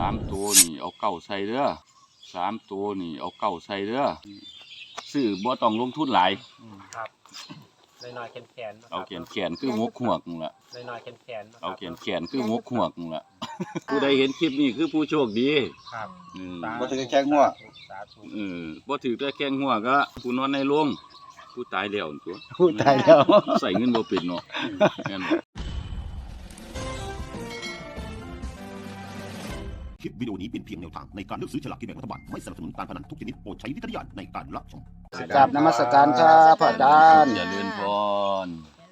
ตัวนี่เอาเก้าใส่เด้อ3ตัวนี่เอาเก้าใส่เด้อซื้อบ่ต้องลงทุนหลายครับน้อยๆแขนเอาแขนคืองกหวกนั่นล่ะน้อยๆแขนเอาแขนคืองกหวกนั่นล่ะผู้ใดเห็นคลิปนี้คือผู้โชคดีครับบ่ถือแข้งหัวบ่ถือแต่แข้งหัวก็ผู้นอนในโรงผู้ตายแล้วตัวผู้ตายแล้วใส่เงินบ่เป็นเนาะงั้นคลิปวิดีโอนี้เป็นเพียงแนวทางในการเลือกซื้อฉลากกินแบ่งรัฐบาลไม่สนับสนุนการพนันทุกชนิดโปรดใช้วิจารณญาณในการรับชมกราบนมัสการครับพระอาจารย์เจริญพร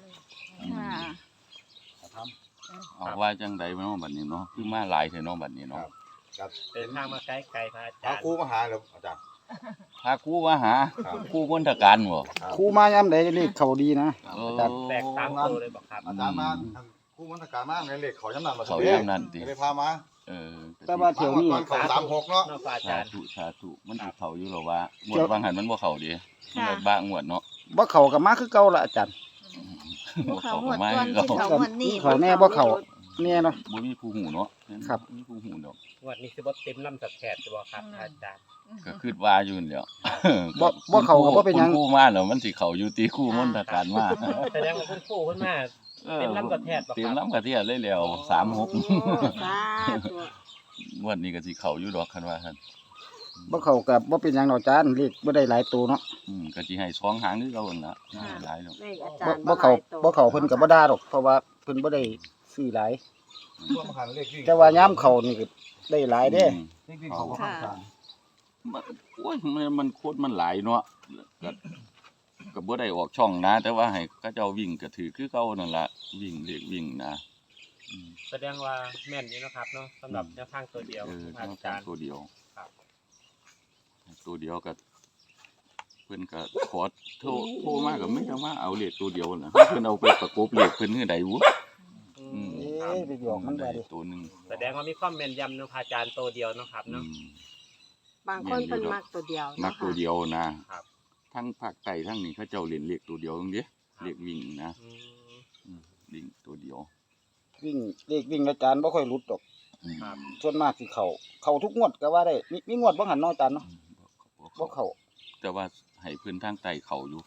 เอาว่าจังใดเนาะบัดนี้เนาะคือมาหลายแท้เนาะบัดนี้เนาะครับเดินทางมาไกลพระอาจารย์ครูมาหาเหรออาจารย์พาครูมาหาครูมนตการบ่ครูมายามใดเลขเขาดีนะอาจารย์แตกตามตัวเลยบ่ครับอาจารย์มาครูมนตการมาในเลขเขายามนั้นเขายามนั้นติได้พามาแต่ว่าเที่ยวนี้เขา36เนาะอาจารย์สาธุมันสิเข้าอยู่หรอว่างวดบางหันมันบ่เข้าดิมันบ้างวดเนาะบ่เข้าก็มาคือเก่าล่ะอาจารย์บ่เข้าก็มาคือเก่าเขาแน่บ่เข้าแน่เนาะบ่มีผู้ฮู้เนาะครับมีผู้ฮู้ดอกงวดนี้สิบ่เต็มลำสักแขนบ่ครับอาจารย์ก็คิดว่าอยู่นั่นแหล้วบ่เข้าก็บ่เป็นหยังครูมาแล้วมันสิเข้าอยู่ตีครูมนตการมาแสดงว่าคุณครูเพิ่นมาเต็มลำกระแทกบ่ครับเต็มลำกระแทกเลยแล้ว36สาธุงวดนี้ก็สิเข้าอยู่ดอกคันว่าซั่นบ่เข้าก็บ่เป็นหยังดอกอาจารย์เลขบ่ได้หลายตัวเนาะก็สิให้2หางคือเก่านั่นล่ะหลายดอกบ่เข้าเพิ่นก็บ่ด่าดอกเพราะว่าเพิ่นบ่ได้ซื้อหลายแต่ว่ายามเข้านี่ก็ได้หลายเด้เขาโอ้ยมันโคตรมันหลายเนาะก็บ่ได้ออกช่องนะแต่ว่าให้เขาเจ้าวิ่งก็ถือคือเก่านั่นล่ะวิ่งเลขวิ่งนะแสดงว่าแม่นอยู่นะครับเนาะสำหรับแนวทางตัวเดียวอาจารย์ตัวเดียวครับตัวเดียวก็เพิ่นก็ขอโทรมาก็ไม่ได้ว่าเอาเลขตัวเดียวน่ะเพิ่นเอาไปประกบเลขเพิ่นคือใดวุไปหยอกมันได้ตัวนึงแสดงว่ามีความแม่นยำเนาะอาจารย์ตัวเดียวเนาะครับเนาะบางคนเพิ่นมักตัวเดียวมักตัวเดียวนะครับทั้งภาคใต้ทั้งนี้เขาเจ้าเล่นเลขตัวเดียวจังซี่เลขวิ่งนะวิ่งตัวเดียววิ่งเลขวิ่งอาจารย์บ่ค่อยหลุดดอกครับส่วนมากสิเข้าทุกงวดก็ว่าได้มีงวดบ่หันเนาะอาจารย์เนาะบ่เข้าแต่ว่าให้เพิ่นทางใต้เข้าอยู่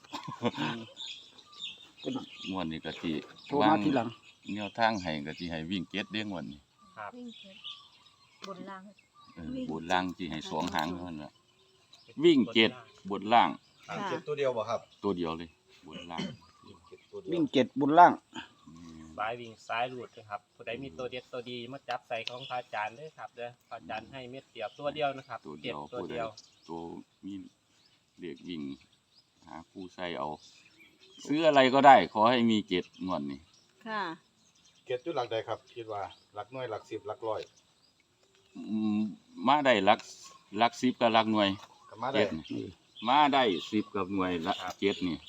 งวดนี้ก็สิโทรมาทีหลังแนวทางให้ก็สิให้วิ่ง7เด้งวันนี้ครับบนล่างบนล่างสิให้2หางเท่านั้นล่ะวิ่ง7บนล่าง 7ตัวเดียวบ่ครับตัวเดียวเลยบนล่างวิ่ง7บนล่างซ้ายวิ่งซ้ายหลุดนะครับผู้ใดมีตัวเด็ดตัวดีมาจับใส่ของพระอาจารย์เด้อครับเด้อพระอาจารย์ให้เม็ดเดียวตัวเดียวนะครับตัวเดียวตัวมีเลขวิ่งหาผู้ใส่เอาซื้ออะไรก็ได้ขอให้มี7งวดนี้ค่ะ 7อยู่หลักใดครับคิดว่าหลักหน่วยหลัก10หลักร้อยมาได้หลัก10กับหลักหน่วยมาได้10กับหน่วยละ7นี่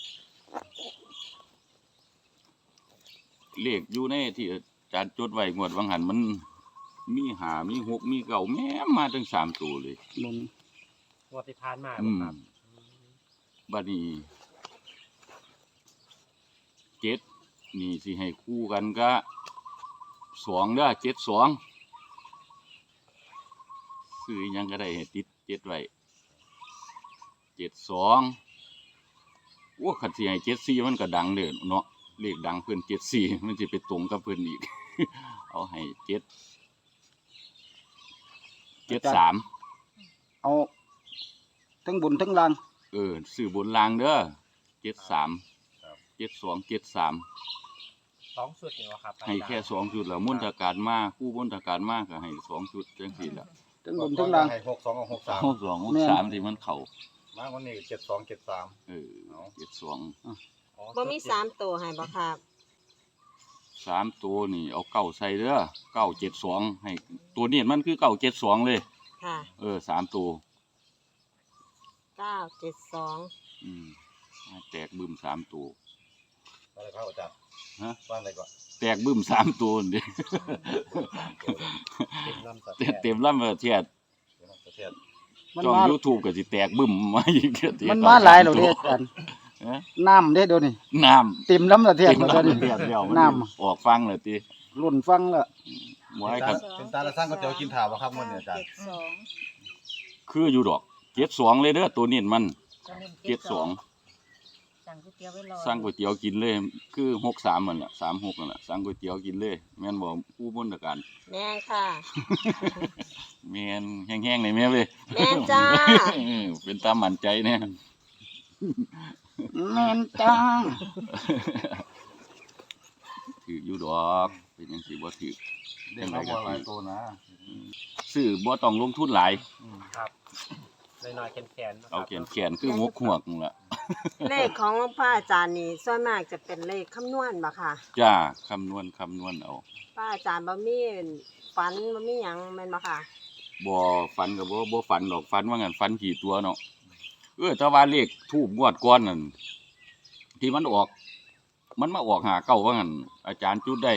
เลขอยู่ในที่อาจารย์จดไว้งวดวังหันมันมี5มี6มี9แม่มาถึง3ตัวเลยงวดที่ผ่านมาครับบัดนี้7นี่สิให้คู่กันก็2เด้อ72ซื้อหยังก็ได้ให้ติด7ไว้72โอ้คันสิให้74มันก็ดังเด้อเนาะเลขดังเพิ่น74มันสิไปตรงกับเพิ่นอีกเอาให้73 เอาทั้งบนทั้งล่างซื้อบนล่างเด้อ73 72 73 2ชุดนี่ว่าครับให้แค่2ชุดแล้วมนตการมาคู่มนตการมาก็ให้2ชุดจังซี่ล่ะทั้งบนทั้งล่างให้62กับ63 62 63ที่มันเข้ามาวันนี้72 73 72 บ่มี3ตัวให้บ่ครับ 3ตัวนี่เอาเก้าใส่เด้อ972ให้ตัวนี้มันคือ972เลยค่ะ 3ตัว 972 แตกบึ้ม3ตัวอะไรครับอาจารย์ว่าอะไรก่อนแตกบึ้ม3ตัวนี่เต็มลำประเทศช่อง YouTube ก็สิแตกบึ้มมาอีกมันมาหลายแล้วเด้อาจารย์น้ำเด้เดี๋ยวนี้น้ำเต็มลำประเทศแล้วเดี๋ยวนี้น้ำออกฟังแล้วติรุ่นฟังแล้วบ่ให้ครับเป็นตาละสร้างก๋วยเตี๋ยวกินถ่าวบ่ครับมื้อนี้อาจารย์ 72 คืออยู่ดอก72เลยเด้อตัวนี้มัน72 สั่งก๋วยเตี๋ยวไว้รอสั่งก๋วยเตี๋ยวกินเลยคือ63นั่นน่ะ36นั่นน่ะสั่งก๋วยเตี๋ยวกินเลยแม่นบ่ผู้บริการแม่นค่ะแม่นแห้งๆนี่แม่เว้ยแม่นจ้าเป็นตามมั่นใจแน่แม่นจ้าถืออยู่ดอกเป็นจังซี่บ่ถือเด็กเขาบ่หลายตัวนะซื้อบ่ต้องลงทุนหลายครับน้อยๆแขนๆนะคเอารับแขนคือหกหัวกนั่นล่ะเลขของพระอาจารย์นี่ส่วนมากจะเป็นเลขคำนวณบ่ค่ะจ้าคำนวณเอาพระอาจารย์บ่มีฝันบ่มีหยังแม่นบ่ค่ะบ่ฝันก็บ่ฝันดอกฝันว่างั้นฝันกี่ตัวเนาะแต่ว่าเลขทูบงวดก่อนนั่นที่มันออก มันมาออก59ว่างั้นอาจารย์จุดได้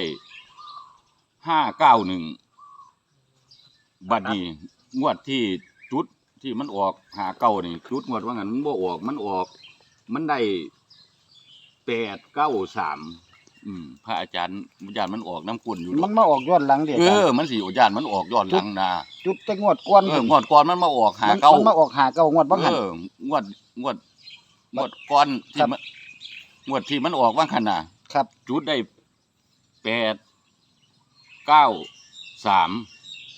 591บัดนี้งวดที่จุดที่มันออก59นี่จุดงวดว่างั้นมันบ่ออกมันได้893พระอาจารย์มันออกน้ำกุ่นอยู่มันมาออกย้อนหลังเด้อาจารย์มันสิอาจารย์มันออกย้อนหลังนะจุดแต่งวดก่อนงวดก่อนมันมาออกมัน 59 มาออก59งวดบ่หันงวดก่อนที่ครับมันงวดที่มันออกว่าคั่นน่ะครับจุดได้893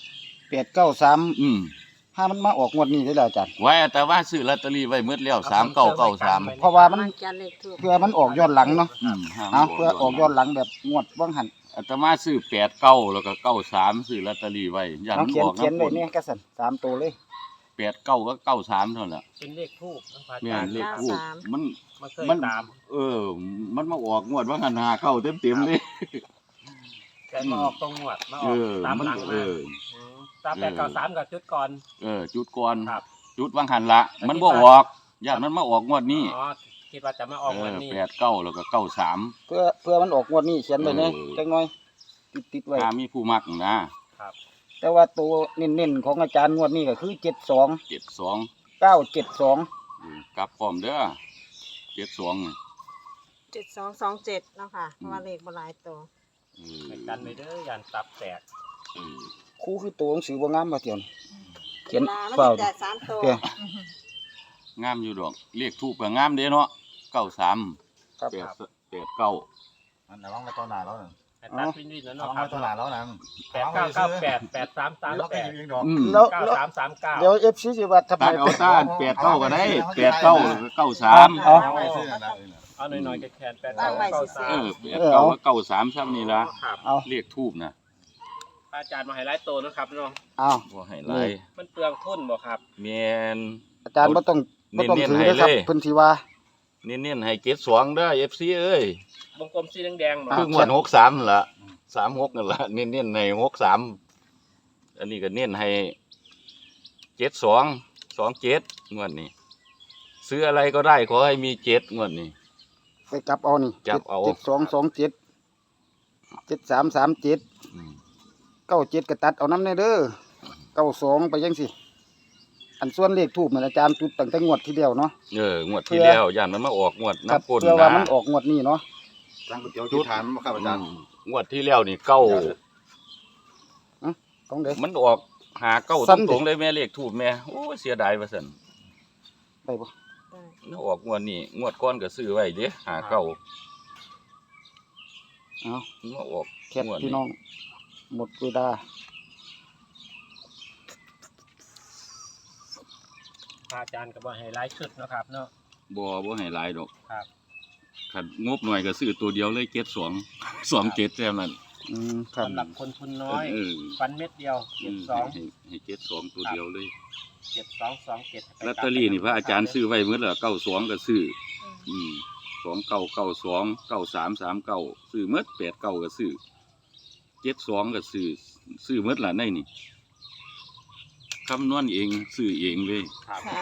893ถ้ามันมาออกงวดนี้ได้แล้วอาจารย์ไว้แต่ว่าซื้อลอตเตอรี่ไว้หมดแล้ว3993 เพราะว่ามันมันจะเลขถูกเพื่อมันออกย้อนหลังเนาะห้ามเพื่อออกย้อนหลังแบบงวดบ่หันอาตมาซื้อ89แล้วก็93ซื้อลอตเตอรี่ไว้ย่านเอามันเขียอน อกเขียนน้ำไว้ฝนเนี่ยก็สั่น3ตัวเลย 89ก็93เท่านั้นแหละเป็นเลขทูบนะพระอาแม่จารนย์เลขทูปมันมันเคยมันตามมันมาออกงวดว่างัน5เต็มๆเลยแต่มาออกตรงหวดมาอเออกอตามมันหลังเอมาอตาม893กับจุดก่อนจุดก่อนครับจุดว่างหันละมันบ่ออกญาติมันมาออกงวดนี้อ๋อคิดว่าจะมาออกวันนี้ 89แล้วก็93 เพื่อมันออกงวดนี้เขียนไว้เนี่ยเออจังน้อยติดไว้ถ้ามีผู้มักนะแต่ว่าตัวเน้นๆของอาจารย์งวดนี้ก็คือ72 72 972 กลับพร้อมเด้อ72นี่ 7227เนาะค่ะเพราะว่าเลขบ่หลายตัวไปกันไปเด้อยันตับแตกครูคือตัวหนังสือบ่งามบ่เตียนเขียนลามันเฝ้าจะสามตัวเด้องามอยู่ดอกเลขทูปก็งามเด้เนาะ93 ครับ 89 มันระวังไว้ตัวหน้าแล้วนั่นให้ตัดวินๆแล้วระเนาะวังครัไว้บตัวหน้าแล้วนั่น 8998 เราก็ยิ 8338 งดอกแล้ว 9339 เดี๋ยว FC สิว่าทำไมตัดเอาต้าน89ก็ได้89 93 เอาเอาไว้ซื้อนั่นนะเอาหน่อยๆแขนๆตั้งไว้ 8993 ซื่อ 89ก็93ซ้ำนี่ล่ะครับเอาเลขทูปนะพระอาจารย์มาให้หลายตัวนะครับเนาะเอาบ่ให้หลายมันเปลืองทุนบ่ครับแม่นอาจารย์บ่ต้องเน้นๆถือนะครับให้เลยเพิ่นสิว่าเน้นๆให้72เด้อ FC เอ้ยวงกลมสีแดงๆบ่คืองวด63นั่นล่ะ36นั่นล่ะเน้นๆให้63อันนี้ก็เน้นให้72 27งวดนี้ซื้ออะไรก็ได้ขอให้มี7งวดนี้ไปจับเอานี่จับเอา 7227 7337 อืม 97ก็ตัดเอานำแน่เด้อ92ไปจังซี่อันส่วนเลขทูปมันอาจารย์จุดตั้งแต่งวดที่แล้วเนาะงวดที่แล้วย่านมันมาออกงวดครับน้ำก้นเพื่อว่ามันออกงวดนี้เนาะสร้างก๋วยเตี๋ยวกินถ่านบ่ครับอาจารย์งวดที่แล้วนี่เก้าของเด้มันออกหาเก้าสั้นดิตรงๆเลยแม่เลขทูบแม่โอ้ยเสียดายว่าซั่นได้บ่ได้มันออกงวดนี้งวดก่อนก็ซื้อไว้เด้หาเก้าเอามันมาออกแคปพี่น้อง หมดเวลาพระอาจารย์ก็บ่ให้หลายชุดเนาะครับเนาะบ่ให้หลายดอกครับคันงบหน่อยก็ซื้อตัวเดียวเลย2 7แค่นั้นครับสำหรับคนทุนน้อยเออฟันเม็ดเดียวให้72ตัวเดียวเลย 7227 ลอตเตอรี่นี่พระอาจารย์ซื้อไว้หมดแล้ว92ก็ซื้อ2992 9339ซื้อหมด89ก็ซื้อ72ก็ซื้อหมดล่ะในนี่คำนวณเองซื้อเองเลยครับค่ะ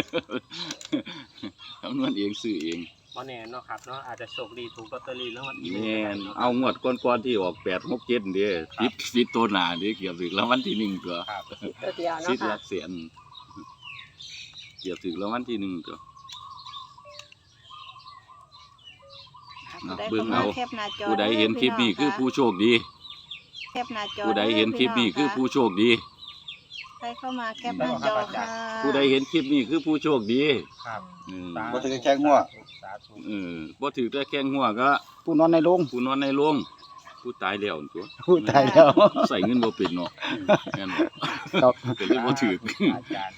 คำนวณเองซื้อเองบ่แน่เนาะครับเนาะอาจจะโชคดีถูกลอตเตอรี่แล้ววันที่แม่น 1 เอางวดก่อนๆที่ออก867เด้ผิดตัวหน้าเด้เกือบถึงรางวัลที่1ตัวครับตัวเดียวสิเนาะหค่ะลักแสนเกือบถึงรางวัลที่1ตัวผู้ใดเบิ่งเข้ามาเอาแคปหน้าจอผู้ใดเห็นคลิปนี้คือผู้โชคดีแคปหน้าจอผู้ใดเห็นคลิปนี้คือผู้โชคดีใครเข้ามาแคปหน้าจอค่ะผู้ใดเห็นคลิปนี้คือผู้โชคดีครับบ่ถือแข้งหัวสาธุบ่ถือได้แข้งหัวก็ผู้นอนในโรงผู้นอนในโรงผู้ตายแล้วตัวผู้ตายแล้วใส่เงินบ่เป็นเนาะแม่นบ่ครับก็เลยบ่ถืออาจารย์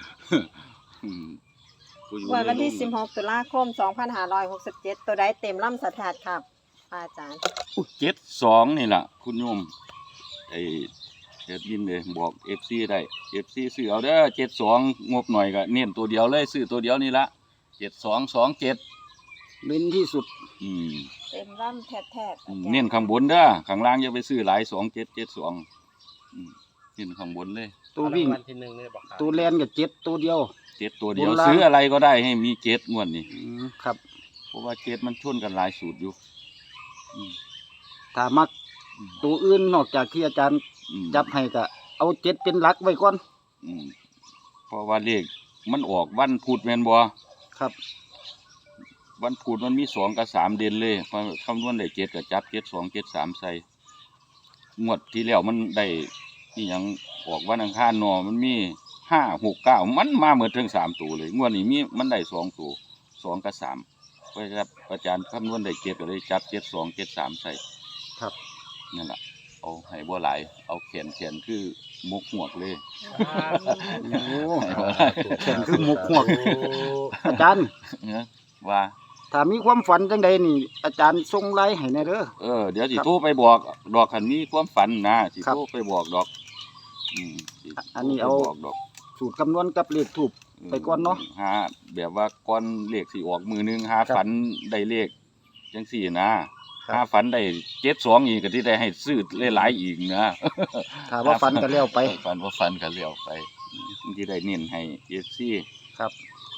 ผู้อยู่วันในโรงที่16ตุลาคม2567ตัวใดเต็มลำสถานครับพระอาจารย์ 72นี่ล่ะคุณโยมไอ้เฮ็ดยินเลยบอก FC ได้ FC ซื้อเอาเด้อ72งบหน่อยก็เน้นตัวเดียวเลยซื้อตัวเดียวนี่ละ7227 เน้นที่สุดเต็มร่ำแทบเน้นข้างบนเด้อข้างล่างอย่าไปซื้อหลาย2772เน้นข้างบนเลยตัววิ่งวันที่1นี่บอกครับตัวแลนกับเจ็ดตัวเดียว 7ตัวเดียวบนล่างซื้ออะไรก็ได้ให้มี7งวดนี่ครับเพราะว่า7มันชนกันหลายสูตรอยู่อืมถ้ามักอืมตัวอื่นนอกจากที่อาจารย์อืมจับให้ก็เอาเจ็ดเป็นหลักไว้ก่อนอืมเพราะว่าเลขมันออกวันพุธแม่นบ่ครับวันพุธมันมี2กับ3เด่นเลยพอคำนวณได้7ก็จับ7 2 7 3ใส่งวดที่แล้วมันได้นี่หยังออกวันอังคารเนาะมันมี5 6 9มันมาเหมือนถึง3ตัวเลยงวดนี้มีมันได้2ตัว2กับ3เพราะครับอาจารย์คำนวณได้7ก็เลยจับ7 2 7 3ใส่ครับนั่นล่ะเอาให้บ่หลายเอาแขนคือมุกหวกเลยโอ้ให้บ่หลายแข่งคือหมกหวก อาจารย์เนอะว่าถ้ามีความฝันจังใดนี่ อาจารย์ส่งไลน์ให้แน่เด้อเดี๋ยวสิโทรไปบอกดอกคันมีความฝันนะสิครับโทรไปบอกดอกสิอันนี้เอาโทรไปบอกดอกสูตรคำนวณกับเลขถูก ไปก่อนเนาะหาแบบว่าก่อนเลขสิออกมือนึงหาครับฝันได้เลขจังสี่นะครับ หาฝันได้72อีกก็ที่ได้ให้ซื้อหลายๆอีกนะถ้าว่าฝันก็แล้วไปฝันว่าฝันก็แล้วไปที่ได้เน้นให้ FC ครับ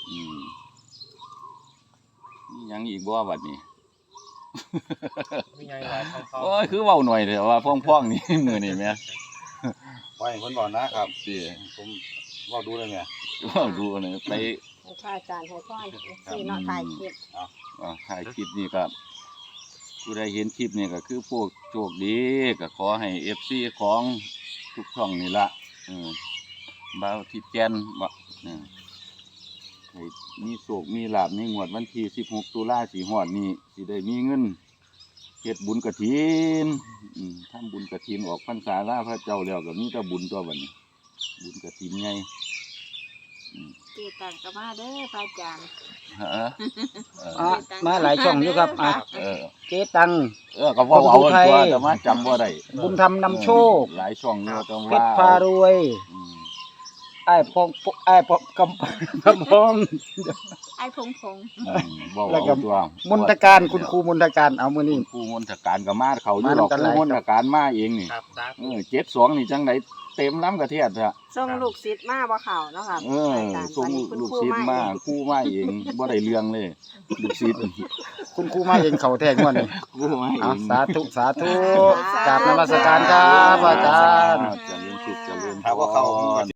มีหยังอีกบ่บัดนี้มีไงหลายทองโอ้ยคือเว้าหน่อยเถอะว่าพ่องๆนี่ มื้อนี้แม่ไว้ให้เพิ่นบอกนะครับสิผมเว้าดูเลยไงเว้าดูหน่อยไปให้พระอาจารย์ให้พรที่เนาะถ่ายคลิปถ่ายคลิปนี้ครับผู้ใดเห็นคลิปนี้ก็คือพวกโชคดีก็ขอให้ FC ของทุกช่องนี่ละบ่าวที่แก่นบ่ให้มีโชคมีลาภในงวดวันที่16ตุลาสิฮอดนี้สิได้มีเงินเฮ็ดบุญกฐินทำบุญกฐินออกพรรษาลาพระเจ้าแล้วก็มีแต่บุญตัวบัดนี้บุญกฐินใหญ่เจตังก็มาเด้อพระอาจารย์ฮะมาหลายช่องอยู่ครับเจ๊ตังก็เว้าเอาตัวแต่มาจำบ่ได้บุญธรรมนำโชคหลายช่องเนาะต้องเพว่าชรพารวยอืมไอ้ายพองไอ้ายพองกำพองไอ้พงเว้าแล้วก็เอาตัวมนตการคุณครูมนตการเอามือคุนี่ณครูมนตการก็มาเขาอยู่มาดอกนำกันคหรูลายมนตการมาเองนี่ครับสาธุ 72นี่จังไดเต็มล้ำกระเทียดอะส่งลูกศิษย์มาบ่เข้าเนาะครับอาจารย์ส่งวันนี้คุณลูกครูศิษย์มาเองครูมาเองบ่ได้เรื่องเลยลูกศิษย์คุณครูมาเห็นเขาแทงวันนี้ครูมาเอเอางสาธุสาธุกราบนมัสการครับอาจารย์เจริญสุขเจริญพรถ้าว่าเขาผมก็